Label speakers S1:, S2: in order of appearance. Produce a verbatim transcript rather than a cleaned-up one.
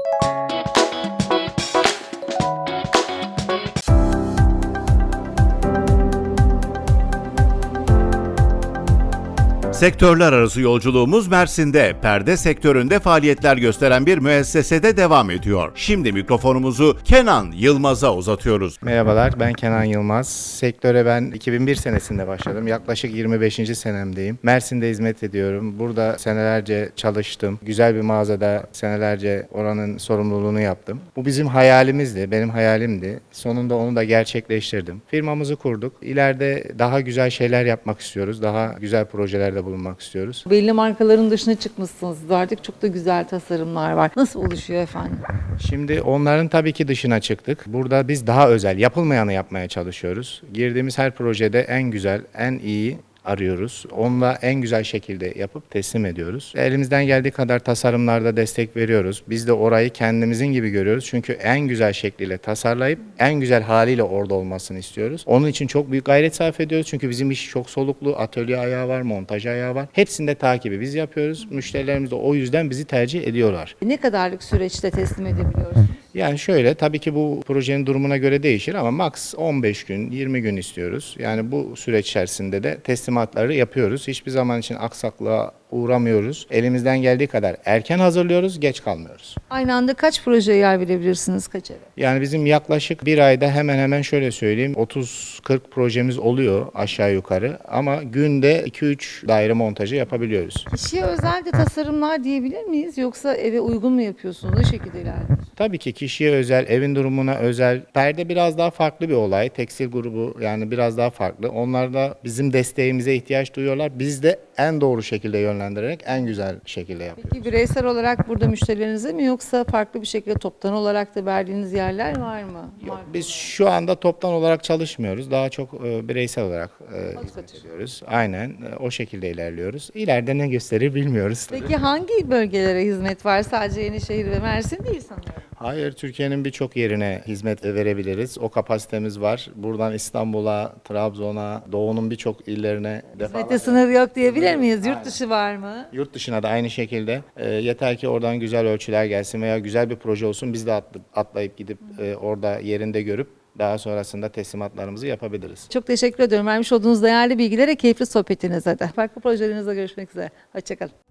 S1: Sektörler arası yolculuğumuz Mersin'de, perde sektöründe faaliyetler gösteren bir müessesede devam ediyor. Şimdi mikrofonumuzu Kenan Yılmaz'a uzatıyoruz.
S2: Merhabalar, ben Kenan Yılmaz. Sektöre ben iki bin bir senesinde başladım. Yaklaşık yirmi beşinci senemdeyim. Mersin'de hizmet ediyorum. Burada senelerce çalıştım. Güzel bir mağazada senelerce oranın sorumluluğunu yaptım. Bu bizim hayalimizdi, benim hayalimdi. Sonunda onu da gerçekleştirdim. Firmamızı kurduk. İleride daha güzel şeyler yapmak istiyoruz. Daha güzel projelerde bulunmak istiyoruz.
S3: Belli markaların dışına çıkmışsınız. Artık çok da güzel tasarımlar var. Nasıl oluşuyor efendim?
S2: Şimdi onların tabii ki dışına çıktık. Burada biz daha özel, yapılmayanı yapmaya çalışıyoruz. Girdiğimiz her projede en güzel, en iyi arıyoruz. Onunla en güzel şekilde yapıp teslim ediyoruz. Elimizden geldiği kadar tasarımlarda destek veriyoruz. Biz de orayı kendimizin gibi görüyoruz. Çünkü en güzel şekliyle tasarlayıp en güzel haliyle orada olmasını istiyoruz. Onun için çok büyük gayret sarf ediyoruz. Çünkü bizim iş çok soluklu. Atölye ayağı var, montaj ayağı var. Hepsinde takibi biz yapıyoruz. Müşterilerimiz de o yüzden bizi tercih ediyorlar.
S3: Ne kadarlık süreçte teslim edebiliyorsunuz?
S2: Yani şöyle, tabii ki bu projenin durumuna göre değişir ama max on beş gün, yirmi gün istiyoruz. Yani bu süreç içerisinde de teslimatları yapıyoruz. Hiçbir zaman için aksaklığa uğramıyoruz. Elimizden geldiği kadar erken hazırlıyoruz, geç kalmıyoruz.
S3: Aynı anda kaç projeye yer verebilirsiniz, kaç eve?
S2: Yani bizim yaklaşık bir ayda hemen hemen şöyle söyleyeyim, otuz kırk projemiz oluyor aşağı yukarı ama günde iki üç daire montajı yapabiliyoruz.
S3: Kişiye özel de tasarımlar diyebilir miyiz? Yoksa eve uygun mu yapıyorsunuz? O şekilde ilerliyorsunuz.
S2: Tabii ki kişiye özel, evin durumuna özel. Perde biraz daha farklı bir olay. Tekstil grubu yani biraz daha farklı. Onlar da bizim desteğimize ihtiyaç duyuyorlar. Biz de en doğru şekilde yönlendirerek en güzel şekilde yapıyoruz.
S3: Peki bireysel olarak burada müşterilerinize mi yoksa farklı bir şekilde toptan olarak da verdiğiniz yerler var mı?
S2: Yok,
S3: Marka
S2: biz
S3: olarak.
S2: şu anda toptan olarak çalışmıyoruz. Daha çok e, bireysel olarak e,
S3: Hadi
S2: hizmet
S3: kaçın.
S2: ediyoruz. Aynen e, o şekilde ilerliyoruz. İleride ne gösterir bilmiyoruz tabii.
S3: Peki hangi bölgelere hizmet var? Sadece Yenişehir ve Mersin değil sanıyorum.
S2: Hayır, Türkiye'nin birçok yerine hizmet verebiliriz. O kapasitemiz var. Buradan İstanbul'a, Trabzon'a, Doğu'nun birçok illerine
S3: Hizmette sınır yok diyebilir miyiz?
S2: Aynen.
S3: Yurt dışı var mı?
S2: Yurt dışına da aynı şekilde e, yeter ki oradan güzel ölçüler gelsin veya güzel bir proje olsun, biz de atlı- atlayıp gidip e, orada yerinde görüp daha sonrasında teslimatlarımızı yapabiliriz.
S3: Çok teşekkür ediyorum. Vermiş olduğunuz değerli bilgilere, keyifli sohbetinize de. Farklı projelerinizle görüşmek üzere. Hoşçakalın.